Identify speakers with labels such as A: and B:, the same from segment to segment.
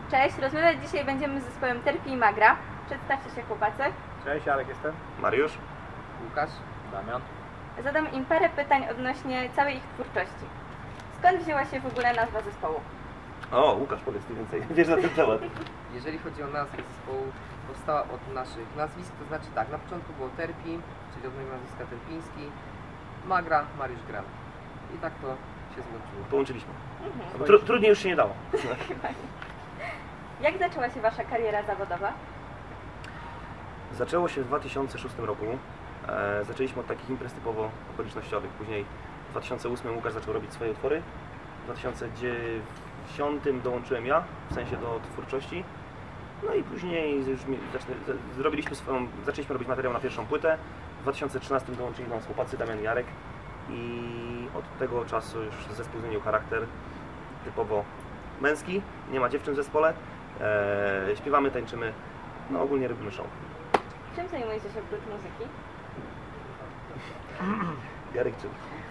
A: Cześć, rozmawiać dzisiaj będziemy z zespołem Terpi i Magra. Przedstawcie się, chłopacy.
B: Cześć, Jarek jestem.
C: Mariusz.
D: Łukasz.
C: Damian.
A: Zadam im parę pytań odnośnie całej ich twórczości. Skąd wzięła się w ogóle nazwa zespołu?
C: O, Łukasz, powiedz mi więcej. Wiesz na ten temat.
D: Jeżeli chodzi o nazwę zespołu, powstała od naszych nazwisk, to znaczy tak, na początku było Terpi, czyli od mojego nazwiska Terpiński, Magra, Mariusz Gram. I tak to się złączyło.
C: Połączyliśmy.
A: Mhm.
C: Trudniej już się nie dało.
A: Jak zaczęła się wasza kariera zawodowa?
C: Zaczęło się w 2006 roku. Zaczęliśmy od takich imprez typowo okolicznościowych. Później w 2008 Łukasz zaczął robić swoje utwory. W 2009 dołączyłem ja, w sensie do twórczości. No i później już zaczęliśmy robić materiał na pierwszą płytę. W 2013 dołączyli nam chłopacy Damian i Jarek. I od tego czasu już zespół zmienił charakter typowo męski. Nie ma dziewczyn w zespole. Śpiewamy, tańczymy. No ogólnie robimy show.
A: Czym zajmujecie się oprócz muzyki?
C: Jarek czym?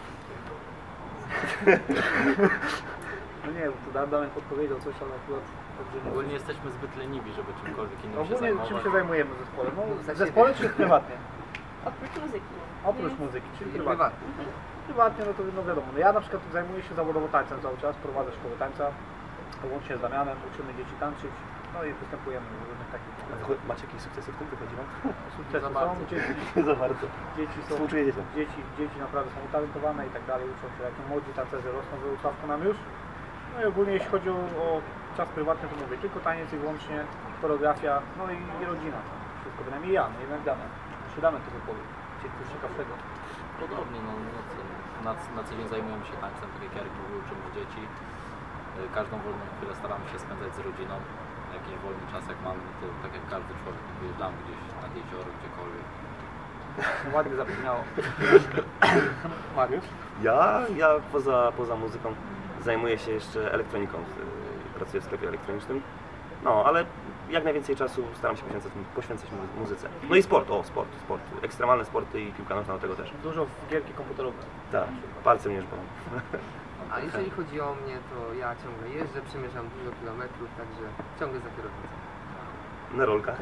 B: No nie, bo tu Damian podpowiedział coś, ale akurat dobrze nie.
E: Ogólnie jesteśmy zbyt leniwi, żeby czymkolwiek innym się
B: Ogólnie
E: zajmować.
B: czym się zajmujemy w zespole? No,
D: W
B: w zespole czy prywatnie?
A: Oprócz muzyki.
B: Oprócz muzyki, czyli
D: Czyli
B: prywatnie.
D: prywatnie.
B: Prywatnie, no to no wiadomo, no ja na przykład zajmuję się zawodowo tańcem cały czas, prowadzę szkołę tańca, łącznie z Damianem, uczymy dzieci tańczyć, no i występujemy w różnych takich
C: Macie jakieś sukcesy w tym? Wychodzi wam?
B: sukcesy
E: Za
B: są,
E: bardzo.
C: Za bardzo.
B: dzieci są,
C: Współczuję dzieciom.
B: dzieci naprawdę są utalentowane i tak dalej, uczą się, jak młodzi tancerze rosną, wyuczawka nam już. No i ogólnie jeśli chodzi o czas prywatny, to mówię, tylko taniec i wyłącznie choreografia, no i rodzina. Wszystko, bynajmniej ja, no jednak Damian. Siadamy tego powie, coś ciekawszego.
E: Podobnie, na co dzień zajmujemy się tańcem, tak jak Jarek mówił, uczymy dzieci. Każdą wolną chwilę staramy się spędzać z rodziną. Jakiś wolny czas jak mamy, to tak jak każdy człowiek wyjeżdżamy gdzieś nad jezioro, gdziekolwiek.
B: No, ładnie zabrzmiało. Mariusz?
C: Ja poza muzyką zajmuję się jeszcze elektroniką. Pracuję w sklepie elektronicznym. No, ale jak najwięcej czasu staram się poświęcać muzyce. No i sport. Ekstremalne sporty i piłka nożna do tego też.
B: Dużo w gierki komputerowe.
C: Tak, palce mnie żbą.
D: A jeżeli chodzi o mnie, to ja ciągle jeżdżę, przemierzam dużo kilometrów, także ciągle za kierownicą.
C: Na rolkach.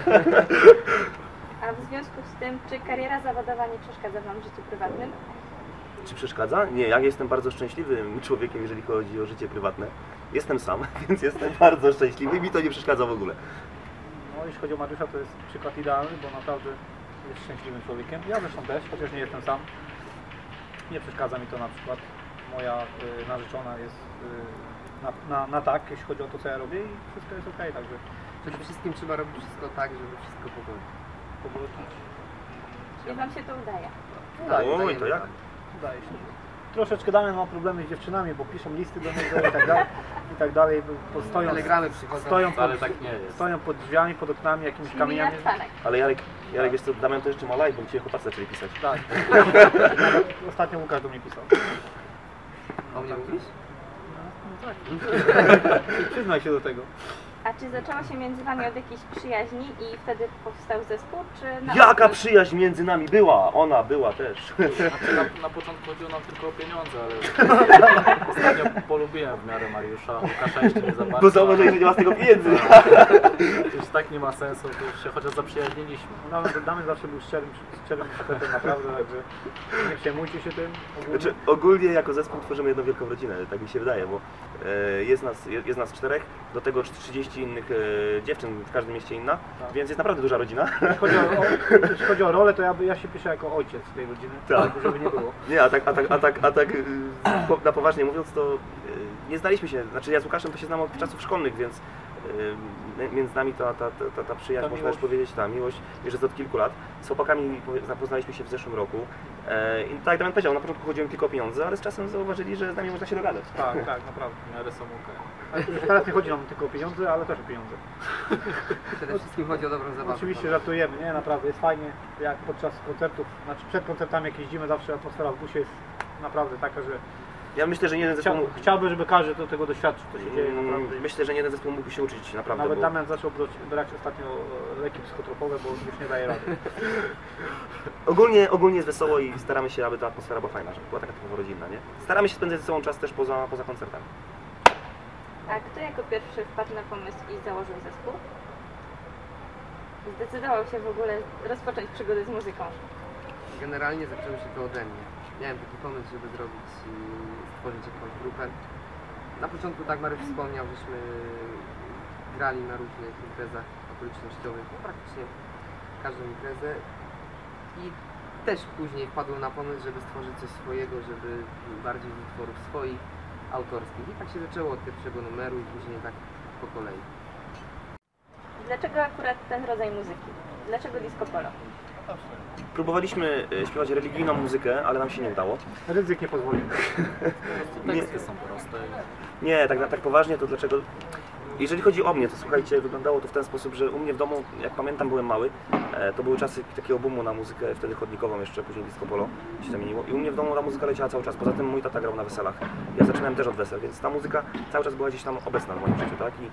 A: A w związku z tym, czy kariera zawodowa nie przeszkadza wam w życiu prywatnym?
C: Czy przeszkadza? Nie, ja jestem bardzo szczęśliwym człowiekiem, jeżeli chodzi o życie prywatne. Jestem sam, więc jestem bardzo szczęśliwy i mi to nie przeszkadza w ogóle.
B: No jeśli chodzi o Mariusza, to jest przykład idealny, bo naprawdę jest szczęśliwym człowiekiem. Ja zresztą też, chociaż nie jestem sam. Nie przeszkadza mi to na przykład. Moja narzeczona jest na tak, jeśli chodzi o to, co ja robię i wszystko jest okej, także
D: Przede wszystkim trzeba robić wszystko tak, żeby wszystko
B: powolutku
A: I wam się to udaje?
C: Oj, to jak?
B: udaje się. Troszeczkę Damian ma problemy z dziewczynami, bo piszą listy do niego i tak dalej, bo
D: Telegramy przychodzą.
E: Ale tak nie jest.
B: stoją pod drzwiami, pod oknami, jakimiś
A: Czyli
B: kamieniami.
A: Jarek.
C: Ale Jarek, wiesz co, Damian to jeszcze ma live, bo dzisiaj chłopacy zaczęli pisać.
B: Tak. Ostatnio Łukasz do mnie pisał.
D: O mnie mówisz?
B: No tak. Przyznaj się do tego.
A: A czy zaczęło się między wami od jakiejś przyjaźni i wtedy powstał zespół, czy na
C: Jaka
A: odwrót?
C: przyjaźń między nami była! Ona była też.
E: Znaczy, na początku chodziło nam tylko o pieniądze, ale ostatnio polubiłem w miarę Mariusza, Łukasza jeszcze nie za bardzo.
C: Bo zauważyłeś, że nie ma z tego pieniędzy.
E: Już tak nie ma sensu, to już się chociaż zaprzyjaźniliśmy.
B: Damian zawsze był szczerym facetem, naprawdę, także nie przejmujcie się tym.
C: Znaczy, ogólnie jako zespół tworzymy jedną wielką rodzinę, tak mi się wydaje, bo jest nas 4, do tego 30 innych dziewczyn, w każdym mieście inna,
B: Tak.
C: więc jest naprawdę duża rodzina.
B: Jeśli chodzi o rolę, to ja się piszę jako ojciec tej rodziny,
C: Tak.
B: żeby nie było.
C: Nie, na poważnie mówiąc, to nie znaliśmy się, znaczy ja z Łukaszem to się znam od czasów szkolnych, więc między nami ta przyjaźń, można już powiedzieć, ta miłość już jest od kilku lat. Z chłopakami zapoznaliśmy się w zeszłym roku. I tak jak Damian powiedział, na początku chodziło tylko o pieniądze, ale z czasem zauważyli, że z nami można się dogadać.
B: Tak, naprawdę.
E: W miarę są okej.
B: A teraz nie chodzi nam tylko o pieniądze, ale też o pieniądze.
D: Przede wszystkim chodzi o dobrą zabawę.
B: Oczywiście żartujemy, nie? Naprawdę jest fajnie, jak podczas koncertów, znaczy przed koncertami jak jeździmy, zawsze atmosfera w busie jest naprawdę taka, że
C: Ja myślę, że nie jeden zespół
B: chciałbym, żeby każdy do tego doświadczył, co się dzieje naprawdę.
C: Myślę, że nie jeden zespół mógłby się uczyć naprawdę.
B: Nawet
C: bo...
B: Damian zaczął brać ostatnio leki psychotropowe, bo już nie daje rady.
C: Ogólnie jest wesoło i staramy się, aby ta atmosfera była fajna, żeby była taka typowo rodzinna, nie? Staramy się spędzać ze sobą czas też poza koncertami.
A: A kto jako pierwszy wpadł na pomysł i założył zespół? Zdecydował się w ogóle rozpocząć przygodę z muzyką.
D: Generalnie zaczęło się to ode mnie. Miałem taki pomysł, żeby stworzyć jakąś grupę. Na początku, tak Mariusz wspomniał, żeśmy grali na różnych imprezach okolicznościowych, no praktycznie każdą imprezę. I też później wpadłem na pomysł, żeby stworzyć coś swojego, żeby bardziej utworów swoich, autorskich. I tak się zaczęło od pierwszego numeru i później tak po kolei.
A: Dlaczego akurat ten rodzaj muzyki? Dlaczego disco polo?
C: Próbowaliśmy śpiewać religijną muzykę, ale nam się nie udało.
B: Ryzyk nie pozwolił.
E: Teksty są proste.
C: Nie, tak poważnie to dlaczego... Jeżeli chodzi o mnie, to słuchajcie, wyglądało to w ten sposób, że u mnie w domu, jak pamiętam, byłem mały, to były czasy takiego boomu na muzykę, wtedy chodnikową jeszcze, później disco polo się zamieniło. I u mnie w domu ta muzyka leciała cały czas, poza tym mój tata grał na weselach. Ja zaczynałem też od wesel, więc ta muzyka cały czas była gdzieś tam obecna w moim życiu, tak? I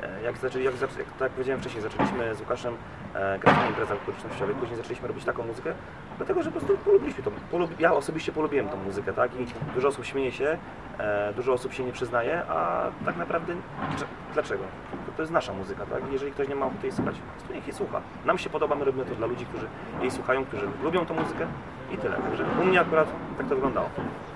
C: jak powiedziałem wcześniej, zaczęliśmy z Łukaszem grać na imprezach okolicznościowych, później zaczęliśmy robić taką muzykę, dlatego że po prostu polubiliśmy to. Ja osobiście polubiłem tą muzykę, tak? I dużo osób śmieje się, dużo osób się nie przyznaje, a tak naprawdę dlaczego? To jest nasza muzyka, tak? Jeżeli ktoś nie ma ochoty jej słuchać, to niech jej słucha. Nam się podoba, my robimy to dla ludzi, którzy jej słuchają, którzy lubią tą muzykę i tyle. Także u mnie akurat tak to wyglądało.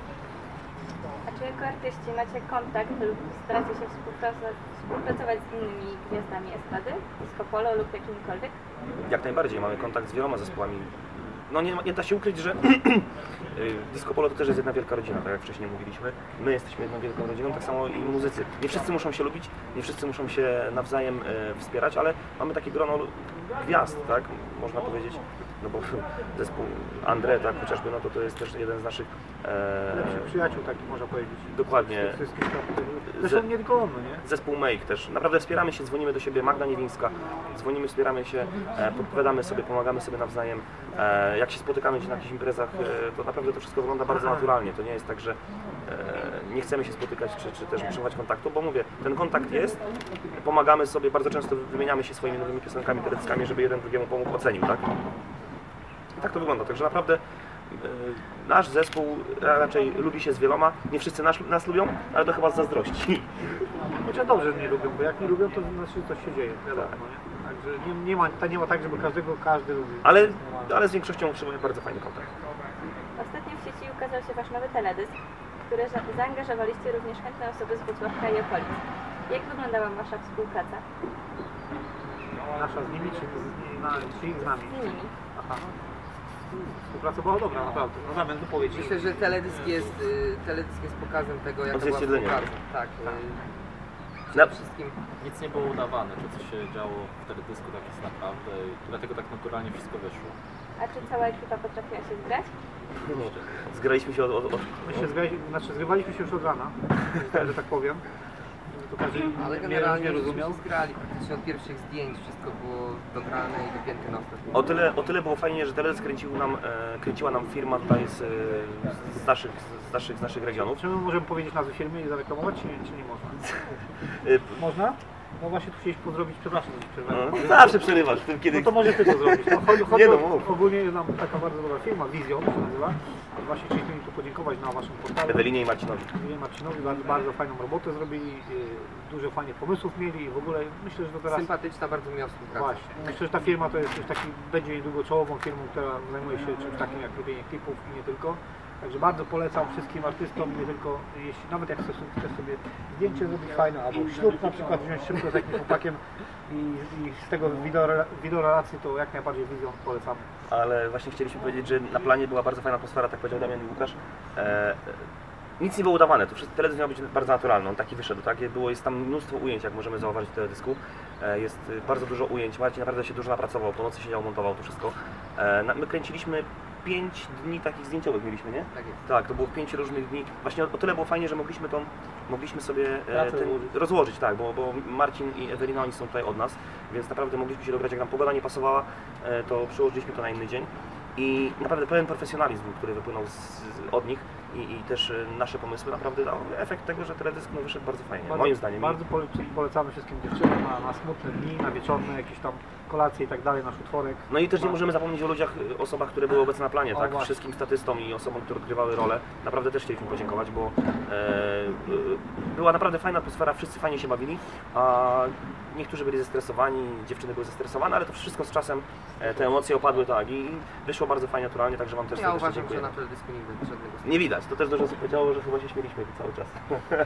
A: A czy jako artyści macie kontakt lub staracie się współpracować z innymi gwiazdami estrady, disco polo lub jakimkolwiek?
C: Jak najbardziej, mamy kontakt z wieloma zespołami. No nie da się ukryć, że disco polo to też jest jedna wielka rodzina, tak jak wcześniej mówiliśmy. My jesteśmy jedną wielką rodziną, tak samo i muzycy. Nie wszyscy muszą się lubić, nie wszyscy muszą się nawzajem wspierać, ale mamy takie grono gwiazd, tak, można powiedzieć. No bo zespół André, tak, chociażby, no to jest też jeden z naszych...
B: Lepszych przyjaciół, taki można powiedzieć.
C: Dokładnie.
B: Zresztą nie tylko on, no nie?
C: Zespół Make też. Naprawdę wspieramy się, dzwonimy do siebie, Magda Niewińska. Dzwonimy, wspieramy się, podpowiadamy sobie, pomagamy sobie nawzajem. Jak się spotykamy gdzieś na jakichś imprezach, to naprawdę to wszystko wygląda bardzo naturalnie. To nie jest tak, że nie chcemy się spotykać, czy też utrzymywać kontaktu, bo mówię, ten kontakt jest, pomagamy sobie, bardzo często wymieniamy się swoimi nowymi piosenkami, teledyskami, żeby jeden drugiemu pomógł, ocenił, tak? I tak to wygląda, także naprawdę nasz zespół raczej lubi się z wieloma, nie wszyscy nas lubią, ale to chyba z zazdrości.
B: Chociaż dobrze, że nie lubią, bo jak nie lubią, to znaczy, że coś się dzieje, wiadomo, nie? Także nie ma tak, żeby każdy lubił.
C: Ale z większością utrzymuje bardzo fajny kontakt.
A: Ostatnio w sieci ukazał się Wasz nowy teledysk, w który zaangażowaliście również chętne osoby z Włocławka i okolic. Jak wyglądała Wasza współpraca?
B: Nasza z nimi, czy ich z nami?
A: Z nimi.
B: Aha. Współpraca była dobra, naprawdę. No zamiast wypowiedzi.
D: Myślę, że teledysk jest pokazem tego, jak to była
C: Odzwierciedlenie.
D: współpraca. Tak.
C: Na-
D: Przede wszystkim
E: Nic nie było udawane, to co się działo w teledysku tak jest naprawdę i dlatego tak naturalnie wszystko wyszło.
A: A czy cała ekipa potrafiła się zgrać?
C: Zgraliśmy się
B: My się zgrywaliśmy się już od rana, że tak powiem. To każdy
D: ale
B: nie
D: generalnie
B: rozumiał.
D: żeśmy zgrali praktycznie od pierwszych zdjęć, wszystko było dograne i dopięte na ostatni.
C: O tyle było fajnie, że teledysk kręciła nam firma tutaj z naszych regionów.
B: Czy my możemy powiedzieć nazwę firmy i zareklamować, czy nie można? Można? No właśnie tu chcieliśmy pozdrowić, przepraszam, że przerwałem.
C: No, zawsze przerywasz w tym, kiedy...
B: No to może ty to zrobić. No,
C: Nie no, mów.
B: Ogólnie jest nam taka bardzo dobra firma, Vision się nazywa. Właśnie chcieliśmy im tu podziękować na waszym portalu.
C: Ewelinie i Marcinowi.
B: Ewelinie Marcinowi bardzo fajną robotę zrobili, dużo fajnych pomysłów mieli i w ogóle myślę, że to teraz...
D: Sympatyczna bardzo miła współpraca.
B: Właśnie. Myślę, że ta firma to jest już taki, będzie niedługo czołową firmą, która zajmuje się czymś takim jak robienie klipów i nie tylko. Także bardzo polecam wszystkim artystom, nie tylko, jeśli nawet jak chcesz sobie zdjęcie zrobić fajne, albo ślub na przykład wziąć szybko z jakimś chłopakiem i z tego wideorelacji, to jak najbardziej Vision polecamy.
C: Ale właśnie chcieliśmy powiedzieć, że na planie była bardzo fajna atmosfera, tak powiedział Damian i Łukasz. Nic nie było udawane, to wszystko teledysk miał być bardzo naturalny, on taki wyszedł, tak? Jest tam mnóstwo ujęć, jak możemy zauważyć w teledysku. Jest bardzo dużo ujęć, Marcin naprawdę się dużo napracował, po nocy siedział, montował to wszystko. My kręciliśmy 5 dni takich zdjęciowych mieliśmy, nie?
D: Tak jest.
C: Tak, to było 5 różnych dni. Właśnie o tyle było fajnie, że mogliśmy sobie
B: rozłożyć.
C: rozłożyć, tak, bo Marcin i Ewelina, oni są tutaj od nas, więc naprawdę mogliśmy się dograć, jak nam pogoda nie pasowała, to przełożyliśmy to na inny dzień. i naprawdę pełen profesjonalizm, który wypłynął od nich i też nasze pomysły naprawdę dał efekt tego, że teledysk no, wyszedł bardzo fajnie, moim zdaniem.
B: Bardzo polecamy wszystkim dziewczynom na smutne dni, na wieczorne, jakieś tam kolacje i tak dalej, nasz utworek.
C: No i też nie możemy zapomnieć o ludziach, osobach, które były obecne na planie, tak?
B: Właśnie.
C: Wszystkim statystom i osobom, które odgrywały rolę. Naprawdę też chcieliśmy podziękować, bo była naprawdę fajna atmosfera, wszyscy fajnie się bawili, a niektórzy byli zestresowani, dziewczyny były zestresowane, ale to wszystko z czasem te emocje opadły tak i wyszło bardzo fajnie, naturalnie, także Wam też
D: Ja
C: serdecznie
D: uważam,
C: dziękuję.
D: że na teledysku nigdy żadnego
C: Nie widać, to też dużo osób powiedziało, że chyba się śmieliśmy cały czas.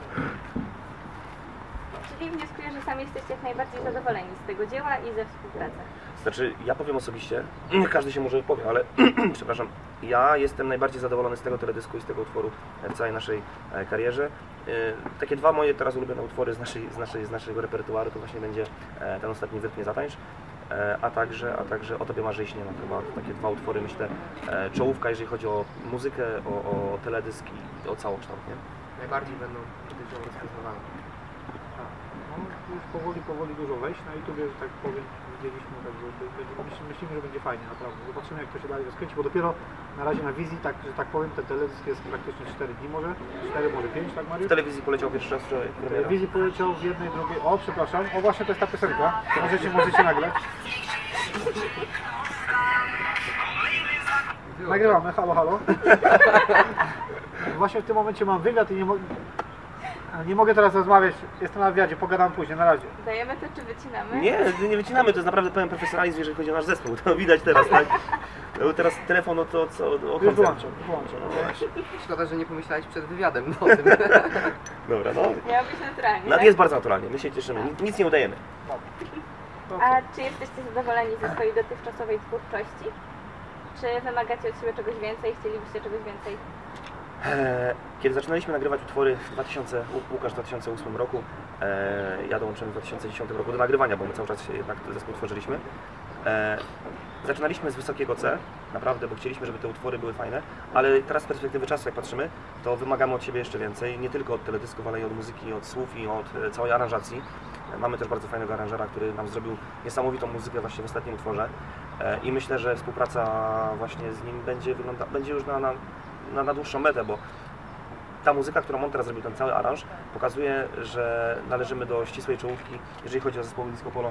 A: Czyli wnioskuję, że sami jesteście jak najbardziej zadowoleni z tego dzieła i ze współpracy.
C: Znaczy, ja powiem osobiście, każdy się może wypowie, ale przepraszam, ja jestem najbardziej zadowolony z tego teledysku i z tego utworu w całej naszej karierze. Takie dwa moje teraz ulubione utwory z naszego repertuaru to właśnie będzie ten ostatni Wytnie Zatańcz, a także O Tobie marzę i śnię. No, chyba takie dwa utwory, myślę, czołówka, jeżeli chodzi o muzykę, o teledysk i o całokształt, nie?
D: Najbardziej będą dotyczą rozpoznawane.
B: No, już powoli dużo wejść na YouTube, że tak powiem, widzieliśmy, także myślimy, że będzie fajnie, naprawdę. Zobaczymy, jak to się dalej rozkręci, bo dopiero na razie na wizji, tak, że tak powiem, ten teledysk jest praktycznie 4 dni może, 4, może 5, tak Mariusz?
C: W telewizji poleciał pierwszy raz wczoraj.
B: W telewizji poleciał w jednej, drugiej, o przepraszam, o właśnie to jest ta piosenka, możecie nagrać. Nagrywamy, halo. Właśnie w tym momencie mam wywiad i nie mogę teraz rozmawiać, jestem na wywiadzie, pogadam później, na razie.
A: Dajemy to czy wycinamy?
C: Nie wycinamy, to jest naprawdę pełen profesjonalizm, jeżeli chodzi o nasz zespół, to widać teraz, tak? No, teraz telefon, no to co, o
B: Już
C: koncercie.
B: wyłączam.
D: Szkoda, że nie pomyślałeś przed wywiadem o tym.
C: Dobra, no.
A: Miało być naturalnie,
C: No,
A: tak?
C: jest bardzo naturalnie, my się cieszymy, nic nie udajemy.
A: A czy jesteście zadowoleni ze swojej dotychczasowej twórczości? Czy wymagacie od siebie czegoś więcej? Chcielibyście czegoś więcej?
C: Kiedy zaczynaliśmy nagrywać utwory Łukasz w 2008 roku, ja dołączyłem w 2010 roku do nagrywania, bo my cały czas jednak zespół tworzyliśmy. Zaczynaliśmy z wysokiego C, naprawdę, bo chcieliśmy, żeby te utwory były fajne, ale teraz z perspektywy czasu, jak patrzymy, to wymagamy od siebie jeszcze więcej, nie tylko od teledysków, ale i od muzyki, od słów i od całej aranżacji. Mamy też bardzo fajnego aranżera, który nam zrobił niesamowitą muzykę właśnie w ostatnim utworze i myślę, że współpraca właśnie z nim będzie już na dłuższą metę, bo ta muzyka, którą on teraz zrobił, ten cały aranż, pokazuje, że należymy do ścisłej czołówki, jeżeli chodzi o zespoły disco polo.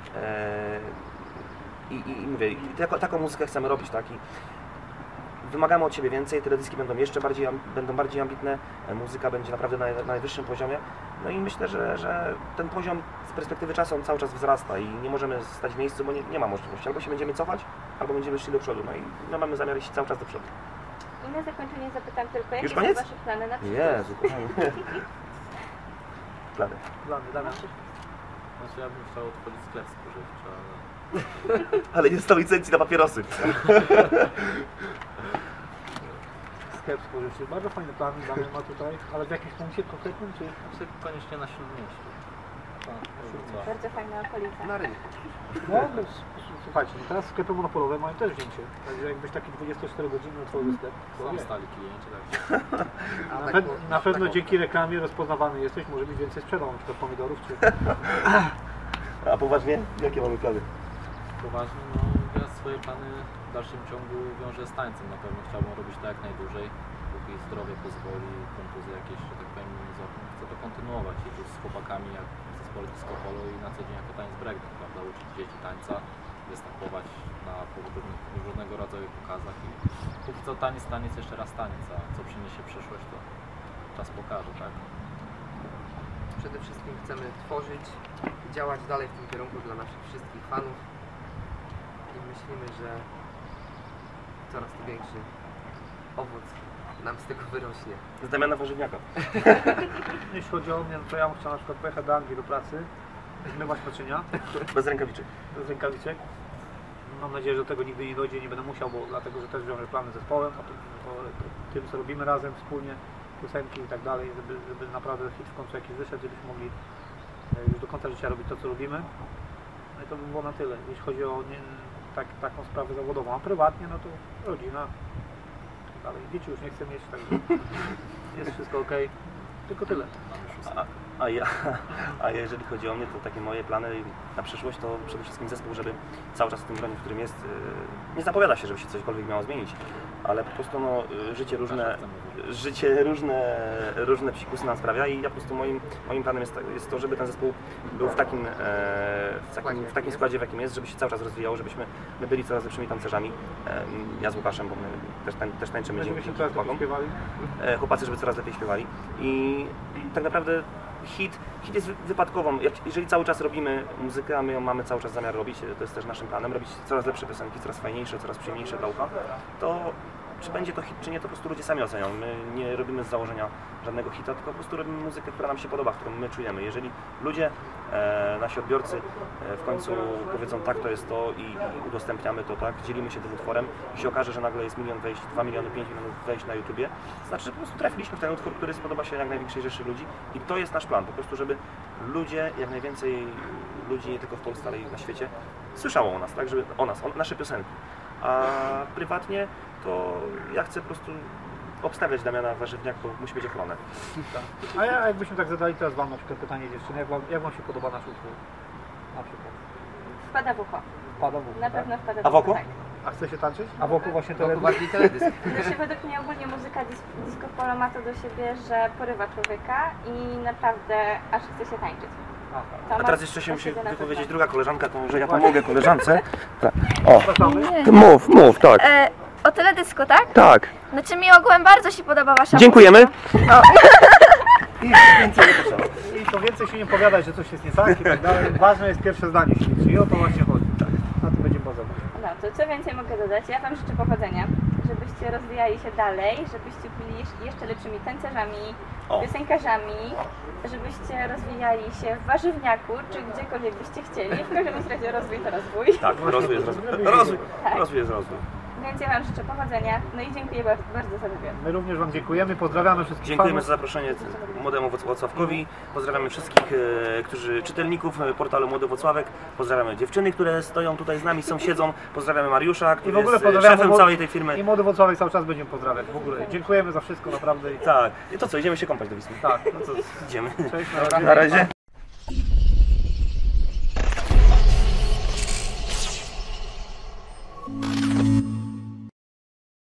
C: I mówię, taką muzykę chcemy robić, tak? I wymagamy od siebie więcej, teledyski będą bardziej ambitne, muzyka będzie naprawdę na najwyższym poziomie. No i myślę, że ten poziom z perspektywy czasu on cały czas wzrasta i nie możemy stać w miejscu, bo nie ma możliwości. Albo się będziemy cofać, albo będziemy szli do przodu. No i my mamy zamiar iść cały czas do przodu.
A: I na zakończenie zapytam tylko, jakie
C: Już
A: są
C: koniec?
A: Wasze plany na przyszłość?
C: Jezu, kochani. Plany.
B: Damian.
E: Znaczy ja bym chciał otworzyć sklep spożywczy, ale
C: Ale nie dostał licencji na papierosy.
B: Sklep spożywczy, bardzo fajny plan Damian ma tutaj, ale w jakimś punkcie konkretnym, czy?
E: znaczy koniecznie na Śródmieściu. Tak, to
A: Bardzo fajna okolica.
D: Na rynku.
B: No, słuchajcie, no teraz sklepy monopolowe mają też wzięcie, także jakbyś taki 24-godzinny otworzył sklep, to
E: są
B: nie.
E: stali klienci, tak.
B: Na pewno dzięki reklamie rozpoznawany jesteś, może być więcej sprzedał, na przykład pomidorów, czy...
C: A poważnie? Jakie mamy plany?
E: Poważnie, no ja swoje plany w dalszym ciągu wiążę z tańcem. Na pewno chciałbym robić to jak najdłużej, póki zdrowie pozwoli, kontuzje jakieś, że tak powiem, nie złapią. Chcę to kontynuować i tu z chłopakami jak w zespole disco polo i na co dzień jako taniec breakdance, prawda, uczyć dzieci tańca, występować na różnego rodzaju pokazach i póki co taniec, jeszcze raz taniec, a co przyniesie przyszłość, to czas pokaże, tak?
D: Przede wszystkim chcemy tworzyć i działać dalej w tym kierunku dla naszych wszystkich fanów i myślimy, że coraz to większy owoc nam z tego wyrośnie.
C: Z Damiana Warzywniaka.
B: Jeśli chodzi o mnie, no to ja bym chciał na przykład pojechać do Anglii do pracy, zmywać naczynia,
C: Bez rękawiczek.
B: bez rękawiczek. Mam nadzieję, że do tego nigdy nie dojdzie, nie będę musiał, bo dlatego, że też wiążę plany z zespołem, o tym, co robimy razem wspólnie, piosenki i tak dalej, żeby naprawdę hit w końcu jakiś wyszedł, żebyśmy mogli już do końca życia robić to, co robimy. No i to by było na tyle, jeśli chodzi o taką sprawę zawodową, a prywatnie, no to rodzina i tak dalej. Dzieci już nie chcę mieć, także jest wszystko ok. Tylko tyle.
E: Mamy szóstkę.
C: A jeżeli chodzi o mnie, to takie moje plany na przyszłość to przede wszystkim zespół, żeby cały czas w tym gronie, w którym jest, nie zapowiada się, żeby się cośkolwiek miało zmienić, ale po prostu no, życie różne psikusy nam sprawia i ja po prostu moim planem jest to, żeby ten zespół był w takim składzie, w jakim jest, żeby się cały czas rozwijał, żebyśmy my byli coraz lepszymi tancerzami. Ja z Łukaszem, bo my też tańczymy dzięki chłopakom. Chłopacy, żeby coraz lepiej śpiewali. I tak naprawdę hit jest wypadkową. Jeżeli cały czas robimy muzykę, a my ją mamy cały czas zamiar robić, to jest też naszym planem, robić coraz lepsze piosenki, coraz fajniejsze, coraz przyjemniejsze dla ucha, to czy będzie to hit, czy nie, to po prostu ludzie sami ocenią. My nie robimy z założenia żadnego hita, tylko po prostu robimy muzykę, która nam się podoba, którą my czujemy. Jeżeli ludzie, nasi odbiorcy w końcu powiedzą tak, to jest to i udostępniamy to, tak, dzielimy się tym utworem i się okaże, że nagle jest 1 milion wejść, 2 miliony, 5 milionów wejść na YouTubie, to znaczy, że po prostu trafiliśmy w ten utwór, który spodoba się jak największej rzeszy ludzi i to jest nasz plan, po prostu, żeby ludzie, jak najwięcej ludzi, nie tylko w Polsce, ale i na świecie, słyszało o nas, tak, żeby o nas, o nasze piosenki. A prywatnie to ja chcę po prostu obstawiać Damiana Warzywniak, bo musi być ochronę.
B: Tak. A jakbyśmy tak zadali teraz Wam na przykład pytanie dziewczyny, jak wam się podoba nasz utwór? Na przykład.
A: Wpada w ucho.
B: Wpada w ucho,
A: Na
B: tak?
A: pewno wpada w
C: A
A: ucho.
C: wokół?
A: Tak.
B: A chce się tańczyć? A wokół właśnie
D: To
B: teledysk?
D: bardziej teledysk.
A: Znaczy, według mnie ogólnie muzyka disco polo ma to do siebie, że porywa człowieka i naprawdę aż chce się tańczyć.
B: Aha.
A: To
C: A
A: ma
C: teraz jeszcze się
A: do
C: musi
A: siebie na
C: wypowiedzieć
A: pewno.
C: druga koleżanka, to może ja pomogę koleżance. Tak. O,
B: Zapraszamy.
C: mów, tak.
F: O teledysku, tak?
C: Tak.
F: Znaczy mi ogółem bardzo się podoba wasza
C: Dziękujemy.
F: muzyka.
B: I więcej nie potrzeba. I to więcej się nie powiadać, że coś jest nie tak i tak dalej. Ważne jest pierwsze zdanie się liczy i o to właśnie chodzi. Tak. Na tym będzie bazować.
A: No to co więcej mogę dodać? Ja Wam życzę powodzenia, żebyście rozwijali się dalej, żebyście byli jeszcze lepszymi tancerzami,
C: O.
A: piosenkarzami, żebyście rozwijali się w warzywniaku, czy gdziekolwiek byście chcieli. W każdym razie rozwój to rozwój.
C: Tak, rozwój jest rozwój.
A: Tak.
C: Rozwój jest rozwój.
A: Więc ja Wam życzę powodzenia, no i dziękuję bardzo za wywiad.
B: My również Wam dziękujemy, pozdrawiamy wszystkich
C: Dziękujemy za
B: fanów.
C: zaproszenie Młodemu Włocławkowi. Pozdrawiamy wszystkich czytelników portalu Młody Włocławek. Pozdrawiamy dziewczyny, które stoją tutaj z nami, siedzą. Pozdrawiamy Mariusza,
B: I
C: który
B: w ogóle
C: jest
B: pozdrawiamy
C: szefem całej tej firmy.
B: I Młody Włocławek cały czas będziemy pozdrawiać. W ogóle dziękujemy za wszystko naprawdę.
C: Tak. I to co, idziemy się kąpać do Wisły.
B: Tak.
C: No to idziemy.
B: Cześć,
C: Na razie.